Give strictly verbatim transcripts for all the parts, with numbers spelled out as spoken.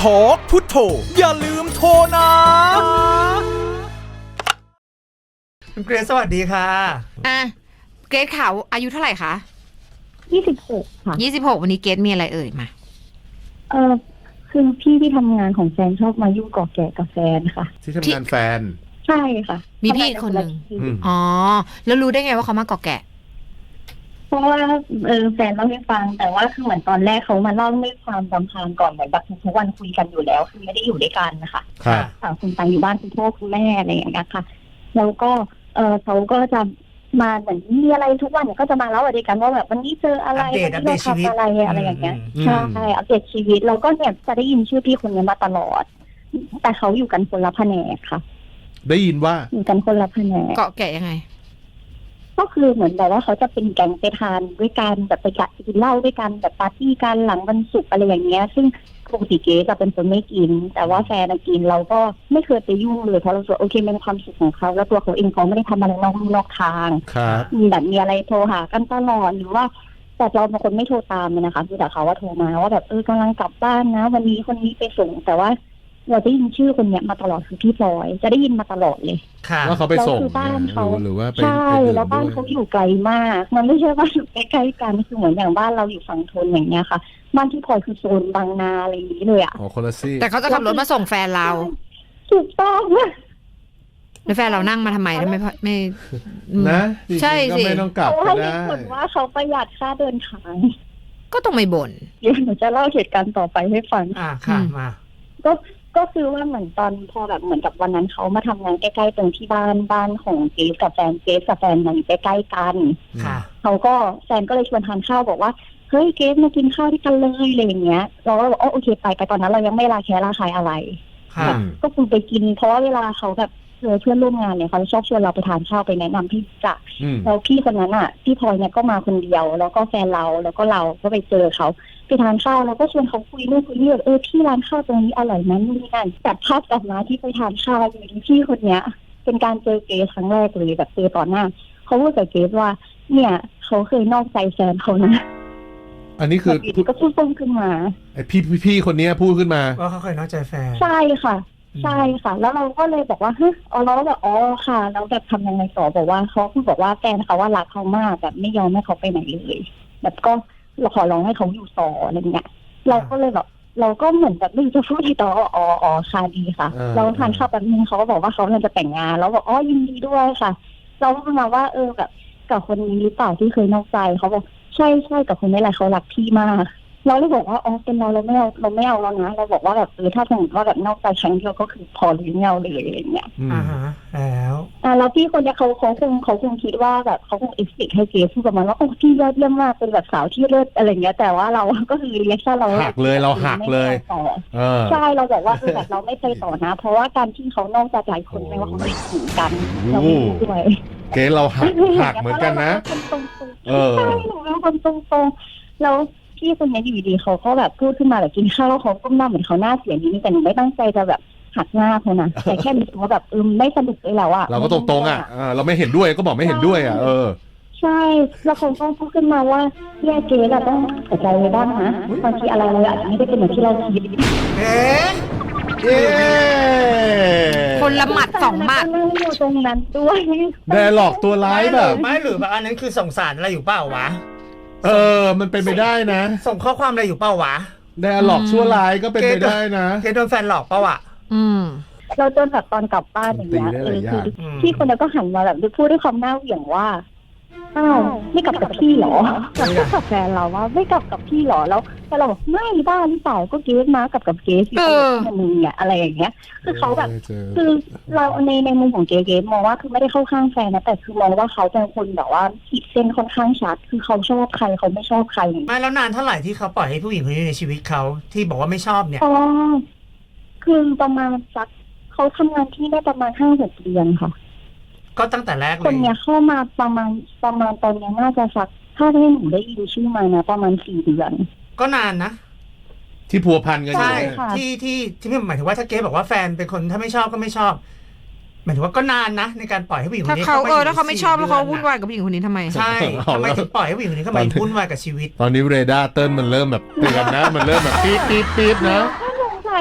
ทอกพุทโธอย่าลืมโทรนะคุณเกรซสวัสดีค่ะอ่ะเกรซขาวอายุเท่าไหร่คะยี่สิบหกค่ะยี่สิบหกวันนี้เกรซมีอะไรเอ่ยมาเออคือพี่ที่ทำงานของแฟนชอบมายุ่งก่อแก่กับแฟนค่ะที่ทำงานแฟนใช่ค่ะมีพี่คนหนึ่งอ๋อแล้วรู้ได้ไงว่าเขามาก่อแก่เพราะว่าเออแฟนเล่าให้ฟังแต่ว่าคือเหมือนตอนแรกเขามาเล่าด้วยความรำคาญก่อนเหมือนแบบทุกวันคุยกันอยู่แล้วคือไม่ได้อยู่ด้วยกันนะคะครับต่างคนต่างอยู่บ้านคุณพ่อคุณแม่อะไรอย่างเงี้ยค่ะแล้วก็เออเขาก็จะมาเหมือนมีอะไรทุกวันเนี่ยก็จะมาเล่าอะไรกันว่าแบบวันนี้เจออะไรวันนี้เราทำอะไรอะไรอย่างเงี้ยใช่อัปเดตชีวิตแล้วก็เนี่ยจะได้ยินชื่อพี่คนนี้มาตลอดแต่เขาอยู่กันคนละแผนกค่ะได้ยินว่าอยู่กันคนละแผนกเกาะแก่ยังไงก็คือเหมือนแบบว่าเขาจะเป็นแก๊งไปทานด้วยกันแบบไปกินเหล้าด้วยกันแบบปาร์ตี้กันหลังวันศุกร์อะไรอย่างเงี้ยซึ่งปกติเก๋จะเป็นคนไม่กินแต่ว่าแฟนกินเราก็ไม่เคยไปยุ่งเลยเพราะเราสึกโอเคเป็นความสุขของเขาแล้วตัวเขาเองเขาไม่ได้ทำอะไรนอกลู่นอกทางแบบมีอะไรโทรหากันตลอดหรือว่าแต่เราเป็นคนไม่โทรตามเลยนะคะคือแต่เขาว่าโทรมาว่าแบบเออกำลังกลับบ้านนะวันนี้คนนี้ไปส่งแต่ว่าเราได้ยินชื่อคนเนี้ยมาตลอดคือพี่พลอยจะได้ยินมาตลอดเลยว่าเขาไปส่งบ้านเขาหรือว่าไปใช่แล้วบ้านเขาอยู่ไกลมากมันไม่ใช่ว่าอยู่ใกล้ๆกันคือเหมือนอย่างบ้านเราอยู่ฝั่งทนอย่างเงี้ยค่ะบ้านที่พลอยคือโซนบางนาอะไรอย่างนี้เลยอ่ะอ๋อคนละซี่แต่เขาจะขับรถมาส่งแฟนเราถูกต้องแล้วแฟนเรานั่งมาทำไมทำไมไม่นะใช่สิไม่ต้องกลับก็ได้ผลว่าเขาประหยัดค่าเดินทางก็ต้องไม่บ่นเดี๋ยวหนูจะเล่าเหตุการณ์ต่อไปให้ฟังอ่าค่ะมาก็ก็คือว่าเหมือนตอนพอแบบเหมือนกับวันนั้นเขามาทำงานใกล้ๆตรงที่บ้านบ้านของเกสกับแฟนเกสกับแฟนมันอยู่ใกล้ๆกันค่ะเขาก็แฟนก็เลยชวนทานข้าวบอกว่าเฮ้ยเกสมากินข้าวที่กันเลยอะไรอย่างเงี้ยเราก็บอกอ๋อโอเคไปไปตอนนั้นเรายังไม่ลาแค่ลาคายอะไรค่ะก็คือไปกินเพราะว่าเวลาเขาแบบเจอเพื่อนร่วมงานเนี่ยเขาชอบชวนเราไปทานข้าวไปแนะนำพี่จักแล้วพี่คนนั้นอ่ะพี่พลอยเนี่ยก็มาคนเดียวแล้วก็แฟนเราแล้วก็เราก็ไปเจอเขาไปทานข้าวแล้วก็ชวนเขาคุยเรื่องคุยเรื่องเออที่ร้านข้าวตรงนี้อร่อยนะนู่นนี่นั่นแต่ภาพกลับมาที่ไปทานข้าวอยู่ที่พี่คนเนี้ยเป็นการเจอเกสครั้งแรกเลยแบบเจอต่อหน้าเขาพูดกับเกสว่าเนี่ยเขาเคยนอกใจแฟนเขานะอันนี้คือก็พูดต้งขึ้นมาไอพี่พี่คนนี้พูดขึ้นมาว่าเขาเคยนอกใจแฟนใช่ค่ะใช่ค่ะแล้วเราก็เลยบอกว่าเฮ้ยอ๋อเราก็แบบอ๋อค่ะแล้วแบบทำยังไงต่อบอกว่าเขาคือบอกว่าแฟนเขาว่ารักเขามากแบบไม่ยอมให้เขาไปไหนเลยแบบก็เราขอร้องให้เขาอยู่ต่ออะไรเงี้ยเราก็เลยแบบเราก็เหมือนแบบไม่รู้จะพูดที่ต่ออ๋ออ๋อค่ะดีค่ะเราทานข้าวแบบนึงเขาก็บอกว่าเขาจะแต่งงานแล้วบอกอ๋อยินดีด้วยค่ะเราก็มาว่าเออแบบกับคนนี้หรือเปล่าที่เคยนอกใจเขาบอกใช่ใช่กับคนนี้แหละเขารักพี่มากเราเลยบอกว่าอ๋อเป็นเราเราไม่เอาเราไม่เอาแล้วนะเราบอกว่าแบบเออถ้าสมมติว่าแบบนอกใจครั้งเดียวก็คือพอหรือไม่เอาเลยอะไรเงี้ยอ่าฮะแล้วอ่าแล้วพี่คนเนี้ยเขาเขาคงเขาคงคิดว่าแบบเขาคงเอ็กซ์เพคให้เกสพูดประมาณว่าโอ้พี่ยอดเยี่ยมมากเป็นแบบสาวที่เลิศอะไรเงี้ยแต่ว่าเราก็คือเรียกแค่เราหักเลยเราหักเลยใช่เราบอกว่าคือแบบเราไม่ไปต่อนะเพราะว่าการที่เขานอกใจหลายคนไม่ว่าเขาไม่ถึงกันเราไม่ด้วยเกสเราหักหักเหมือนกันนะเออใช่หนูเป็นคนตรงๆแล้วพี่คนนี้อยู่ดีเขาก็แบบพูดขึ้นมาแบบกินข้าวแล้วเขาก้มหน้าเหมือนเขาหน้าเสียนิดนึงแต่หนูไม่ตั้งใจจะแบบหักหน้าเขานะแต่แค่รู้สึกว่าแบบเออไม่สนุกเลยแล้วอะเราก็ตรงๆอ่ะเราไม่เห็นด้วยก็บอกไม่เห็นด้วยอ่ะเออใช่แล้วเขาก็พูดขึ้นมาว่าแย่เกเราต้องเสียใจเลยบ้างนะบางทีอะไรเลยอาจจะไม่ได้เป็นเหมือนที่เราคิดเอ๊ะเอ๊คนละหมัดสองหมัดนั่งอยู่ตรงนั้นด้วยได้หลอกตัวร้ายแบบไม่หรือแบบอันนั้นคือส่งสารอะไรอยู่เปล่าวะเออมันเป็นไปได้นะส่งข้อความอะไรอยู่เปล่าวะได้หลอกชั่วร้ายก็เป็นไปได้นะเกโดนแฟนหลอกเปล่าวะอืมเราจนแบบตอนกลับบ้านอย่างเงี้ยเออคือพี่คนนั้นก็หันมาแบบพูดด้วยความหน้าเหวี่ยงว่าอ้าวไม่กลับกับพี่หรอกับพูดกับแฟนเราว่าไม่กลับกับพี่หรอแล้วแต่เราบอกไม่บ้าหรือเปล่าก็เกสมากับกับเกสที่เขามึงเนี่ยอะไรอย่างเงี้ยคือเขาแบบคือเราในในมุมของเกสมองว่าคือไม่ได้เข้าข้างแฟนนะแต่คือมองว่าเขาเป็นคนแบบว่าขีดเส้นค่อนข้างชัดคือเขาชอบใครเขาไม่ชอบใครไม่แล้วนานเท่าไหร่ที่เขาปล่อยให้ผู้หญิงคนนี้ในชีวิตเขาที่บอกว่าไม่ชอบเนี่ยอ๋อคือประมาณสักเขาทำงานที่ได้ประมาณห้าหกเดือนค่ะก็ตั้งแต่แรกเลยคนเนี้ยเข้ามาประมาณประมาณตอนนี้น่าจะสักถ้าที่หนูได้ยินชื่อมานะประมาณสี่เดือนก็นานนะที่พัวพันกันใช่ที่ที่ที่พี่หมายถึงว่าถ้าเกสบอกว่าแฟนเป็นคนถ้าไม่ชอบก็ไม่ชอบหมายถึงว่าก็นานนะในการปล่อยให้ผู้หญิงคนนี้เขาเออถ้าเขาไม่ชอบแล้วเขาวุ่นวายกับผู้หญิงคนนี้ทำไมใช่ทำไมถึงปล่อยให้ผู้หญิงคนนี้เข้ามาวุ่นวายกับชีวิตตอนนี้เรดาร์เติ้ลมันเริ่มแบบเตือนนะมันเริ่มแบบปี๊ดปี๊ดปี๊ดนะก็สงสัย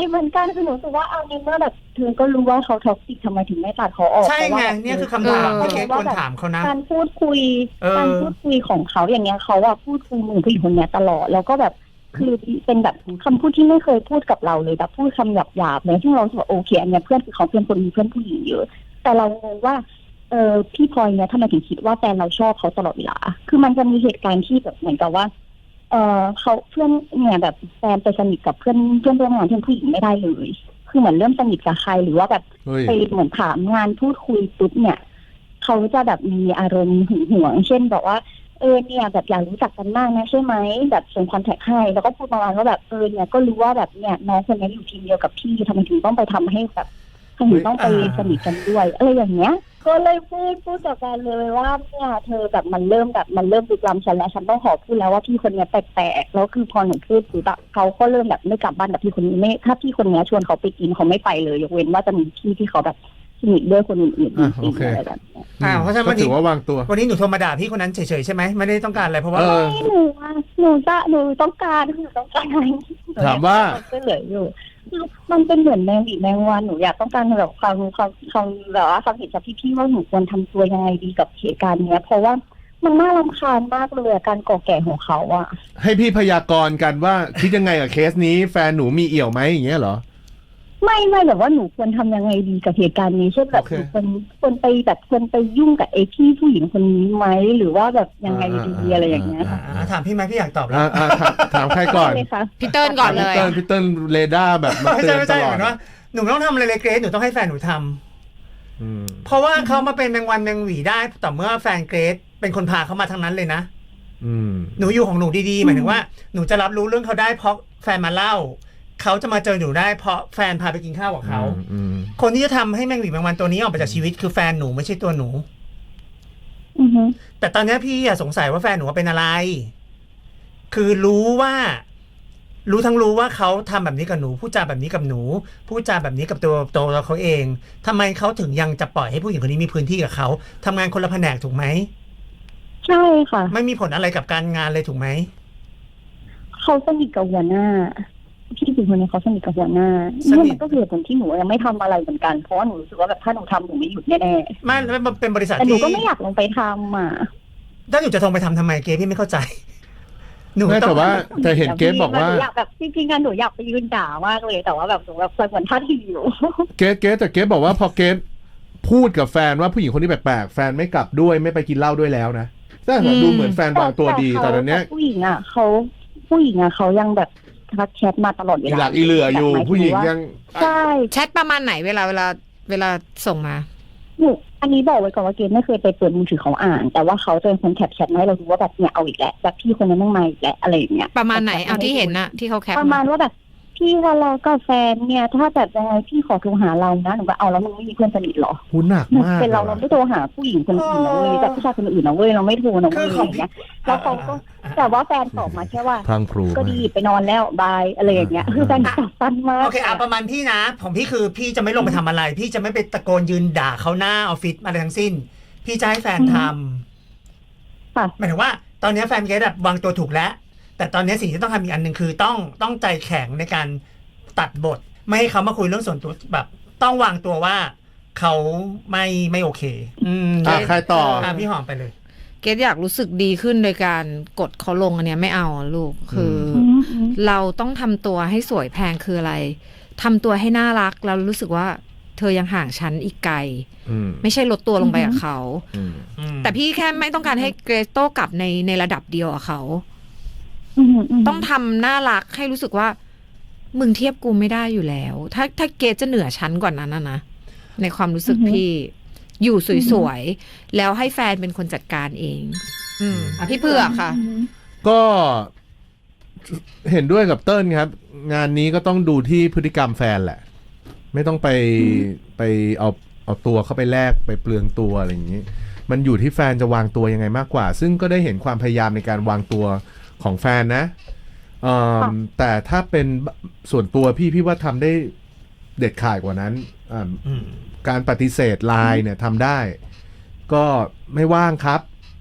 เหมือนกันคือหนูรู้สึกว่าเอาในเมื่อแบบเธอก็รู้ว่าเขาท็อกซิกทำไมถึงไม่ตัดเขาออกใช่ไงเนี่ยคือคำถามที่เกรซควรถามเขานะการพูดคุยเออการพูดคุยของเขาอย่างเงี้ยเขาอะพูดคุยมือผู้หญิงคนเนี้ยตลอดแล้วก็แบบคือเป็นแบบคำพูดที่ไม่เคยพูดกับเราเลยแบบพูดคำหยาบๆเลยซึ่งเราสึกว่าโอเคอันเนี้ยเพื่อนคือเขาเป็นคนมีเพื่อนผู้หญิงเยอะแต่เรางงว่าเออพี่พลอยเนี่ยทำไมถึงคิดว่าแฟนเราชอบเขาตลอดเวลาคือมันจะมีเหตุการณ์ที่แบบเหมือนกับว่าเออเขาเพื่อนเนี่ยแบบแฟนไปสนิทกับเพื่อนเพื่อนร่วมงานที่เป็นผู้หญิงไม่ได้เลยคือเหมือนเริ่มสนิทกับใครหรือว่าแบบเฮ้ยไปเหมือนถามงานพูดคุยปุ๊บเนี่ยเขาจะแบบมีอารมณ์หึงหวงเช่นบอกว่าเออเนี่ยแบบอยากรู้จักกันมากนะใช่ไหมแบบส่งคอนแทคให้แล้วก็พูดประมาณว่าแบบเออเนี่ยก็รู้ว่าแบบเนี่ยน้องคนนี้อยู่ทีมเดียวกับพี่ทำไมถึงต้องไปทำให้แบบทำไมถึงต้องไปสนิทกันด้วยอะไรอย่างเงี้ยก็เลยพูดพูดกับแฟนเลยว่าเนี่ยเธอแบบมันเริ่มแบบมันเริ่มลุกล้ำฉันแล้วฉันต้องขอพูดแล้วว่าพี่คนเนี้ยแปลกๆแล้วคือพอหนูพูดปุ๊บอะเขาก็เริ่มแบบไม่กลับบ้านกับพี่คนนี้ไม่ถ้าพี่คนเนี้ยชวนเขาไปกินเขาไม่ไปเลยยกเว้นว่าจะมีพี่ที่เขาแบบสนิทด้วยคนอื่นๆจอ่ะริโอง เคๆอะไรแบบเนี้ยอ่าเพราะฉะนั้นก็วันถืนี้อว่าวางตัววันนี้หนูโทรมาด่าพี่คนนั้นเฉยๆใช่ไหมไม่ได้ต้องการอะไรเพราะว่าเออไม่หนูว่าหนูจะหนูต้องการหนูต้องการถามว่าช่วยเหลืออยู่มันเป็นเหมือนแมงวีแมงวันหนูอยากต้องการแบบความความความแบบว่าความเห็นจากพี่ๆว่าหนูควรทำตัวยังไงดีกับเหตุการณ์เนี้ยเพราะว่ามันน่ารำคาญมากเลยอะการก่อแก่ของเขาอะให้พี่พยากรณ์กันว่าคิดยังไงกับเคสนี้แฟนหนูมีเอี่ยวไหมอย่างเงี้ยเหรอไม่ไม่แบบว่าหนูควรทำยังไงดีกับเหตุการณ์นี้เช่นแบบโอเคหนูควรควรไปแบบควรไปยุ่งกับไอ้พี่ผู้หญิงคนนี้ไหมหรือว่าแบบยังไงดีอะไรอย่างเงี้ยค่ะอ่าถามพี่ไหมพี่อยากตอบแล้วอ่าอ่าถามถามใครก่อนเลยค่ะพี่เติ้ลก่อนเลยพี่เติ้ลพี่เติ้ลเรดาร์แบบมาไม่เตืใช่อนไม่ตใช่ลเหอดมือนว่าหนูไม่ต้องทำอะไรเลยเกรซหนูต้องให้แฟนหนูทำอืมเพราะว่าเขามาเป็นแมงวันแมงหวีได้ต่อเมื่อแฟนเกรซเป็นคนพาเขามาทางนั้นเลยนะอืมหนูอยู่ของหนูดีๆหมายถึงว่าหนูจะรับรู้เรื่องเขาได้เพราะแฟนมาเล่าเขาจะมาเจอหนูได้เพราะแฟนพาไปกินข้าวกับเขาอืมคนที่จะทำให้แมงหวีแมงวันตัวนี้ออกไปจากชีวิตคือแฟนหนูไม่ใช่ตัวหนูอือฮึแต่ตอนนี้พี่อะสงสัยว่าแฟนหนูเป็นอะไร คือรู้ว่า รู้ทั้งรู้ว่าเขาทำแบบนี้กับหนูพูดจาแบบนี้กับหนูพูดจาแบบนี้กับตัวตัวเขาเองทำไมเขาถึงยังจะปล่อยให้ผู้หญิงคนนี้มีพื้นที่กับเขาทำงานคนละแผนกถูกไหมใช่ค่ะไม่มีผลอะไรกับการงานเลยถูกไหมเขาสนิทกับหัวหน้าพี่ผู้หญิงคนนี้เขาสนิทกับหัวหน้าสนิทนี่มันก็คือเหตุผลที่หนูยังไม่ทำอะไรเหมือนกันเพราะว่าหนูรู้สึกว่าแบบถ้าหนูทำหนูไม่หยุดแน่ไม่มันเป็นบริษัๆทแต่หนูที่ก็ไม่อยากลงไปทำอ่ะถ้าหนูจะทงไปทำทำไมเกพี่ไม่เข้าใจ หนูไม่ต้อแต่งว่าแต่เห็นเกสบอกว่าหนูอยากแบบจริงๆกันหนูอยากไปยืนด่ามากเลยแต่ว่าแบบหนูแบบเหมือนท่าทีอยู่เกสเกสแต่เกสบอกว่าพอเกสพูดกับแฟนว่าผู้หญิงคนนี้แปลกๆแฟนไม่กลับด้วยไม่ไปกินเหล้าด้วยแล้วนะแต่ดูเหมือนแฟนวางตัวดีแต่ตอนเนี้ยผู้หญิงอ่ะเขาผู้หญิงอ่ะเขายังแบบทักแชทมาตลอดเวอีลาหลักอีเหลืออยู่แบบมายถึผู้หญิงว่ายังใช่แชทประมาณไหนเวลาเวลาเวลาส่งมาหนูอันนี้บอกไว้ก่อนว่าเกณไม่เคยไปเปิดมือถือเขาอ่าน แต่ว่าเขาจะเป็นคนแคปแชทมาให้เราดูว่าแบบเนี่ยเอาอีกแล้วแบบพี่คนนั้นต้องมาอีกแล้วอะไรอย่างเงี้ยประมาณไหนเอาที่เห็นน่ะที่เขาแคปประมาณว่าแบบพี่ทะเลาะกับแฟนเนี่ยถ้าแบบยังไงพี่ขอโทรหาเรานะหนูว่าเอาแล้วมึงไม่มีเพื่อนสนิทหรอหูหนักมากเป็นเราเราไม่โทรหาผู้หญิงคนอื่นนะเว้ยแบบผู้ชายคนอื่นนะเว้ยเราไม่โทรนะเว้ยอะไรอย่างเงี้ยแล้วเขาก็แต่ว่าแฟนตอบมาแค่ว่าพลังพรูก็ดีไปนอนแล้วบายอะไรอย่างเงี้ยคือแฟนตอบสั้นมากโอเคอ่ะประมาณพี่นะของพี่คือพี่จะไม่ลงไปทำอะไร พี่จะไม่ไปตะโกนยืนด่าเขาหน้าออฟฟิศอะไรทั้งสิ้น พี่จะให้แฟนทำค่ะหมายถึงว่าตอนนี้แฟนเกดวางตัวถูกแล้ว แต่ตอนนี้สิ่งที่ต้องทำอีกอันหนึ่งคือต้องต้องใจแข็งในการตัดบท ไม่ให้เขามาคุยเรื่องส่วนตัวแบบต้องวางตัวว่าเขาไม่ไม่โอเค อืมอ่ะใครต่ออ่ะพี่หอมไปเลยเกดอยากรู้สึกดีขึ้นโดยการกดเขาลงอันเนี้ยไม่เอาอะลูกคือออืมอืมเราต้องทำตัวให้สวยแพงคืออะไรทำตัวให้น่ารักแล้วรู้สึกว่าเธอยังห่างฉันอีกไกลอืมไม่ใช่ลดตัวลงไปกับเขาอืมแต่พี่แค่ไม่ต้องการให้เกรซโต้กลับในในระดับเดียวกับเขาอืมมต้องทำน่ารักให้รู้สึกว่า มึงเทียบกูไม่ได้อยู่แล้ว ถ้าถ้าเกรซจะเหนือชั้นกว่านั้นนะนะในความรู้สึกพี่อยู่สวยๆแล้วให้แฟนเป็นคนจัดการเอง อืมพี่เผือกค่ะอืมก็เห็นด้วยกับเติ้ลครับ งานนี้ก็ต้องดูที่พฤติกรรมแฟนแหละ ไม่ต้องไปไปเอาเอาตัวเข้าไปแลกไปเปลืองตัวอะไรอย่างนี้ มันอยู่ที่แฟนจะวางตัวยังไงมากกว่า ซึ่งก็ได้เห็นความพยายามในการวางตัวของแฟนนะเอิ่มแต่ถ้าเป็นส่วนตัวพี่พี่ว่าทำได้เด็ดขาดกว่านั้นอ่าอืมการปฏิเสธไลน์เนี่ยทำได้ ก็ไม่ว่างครับ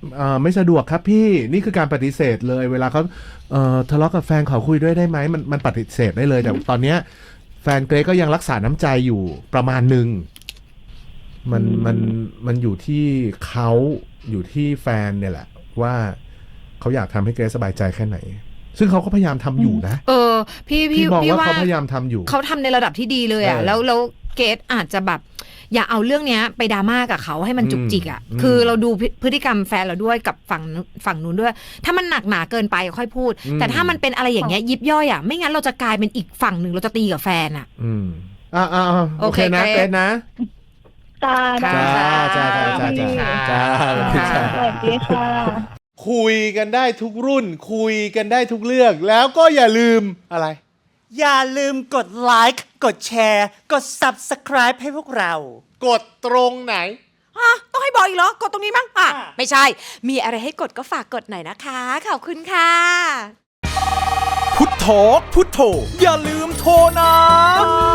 เอ่อไม่สะดวกครับพี่นี่คือการปฏิเสธเลยเวลาเขาเอ่อทะเลาะกับแฟนขอคุยด้วยได้ไหมมันมันปฏิเสธได้เลยแต่ตอนเนี้ยแฟนเกรซก็ยังรักษาน้ำใจอยู่ประมาณหนึ่งมันมันมันอยู่ที่เขาอยู่ที่แฟนเนี่ยแหละว่าเขาอยากทำให้เกรซสบายใจแค่ไหนซึ่งเขาก็พยายามทำอยู่นะเออ พี่พี่พี่มองพี่ว่าว่าเขาพยายามทำอยู่เขาทำในระดับที่ดีเลยอ่ะเออแล้วแล้วเกรซอาจจะแบบ อย่าเอาเรื่องเนี้ยไปดราม่ากับเขาให้มันจุกจิกอ่ะอืมคือเราดูพฤพฤติกรรมแฟนเราด้วยกับฝั่งฝั่งนู้นด้วย ถ้ามันหนักหนาเกินไปค่อยพูด แต่ถ้ามันเป็นอะไรอย่างเงี้ยยิบย่อยอ่ะไม่งั้นเราจะกลายเป็นอีกฝั่งหนึ่งเราจะตีกับแฟนอ่ะอืมอ่าอ่าโอเคนะโอเคเกรซนะจ้าจ้าจ้าจ้าจ้าจ้าจ้าจ้าค่ะสวัสดีค่ะคุยกันได้ทุกรุ่น คุยกันได้ทุกเรื่องแล้วก็อย่าลืมอะไรอย่าลืมกดไลค์กดแชร์ กด Subscribe ให้พวกเรากดตรงไหนอ่ะต้องให้บอกอีกเหรอ กดตรงนี้มั้งอ่ะอ่ะไม่ใช่ มีอะไรให้กดก็ฝากกดหน่อยนะคะ ขอบคุณค่ะพุทโธพุทโธอย่าลืมโทรนะ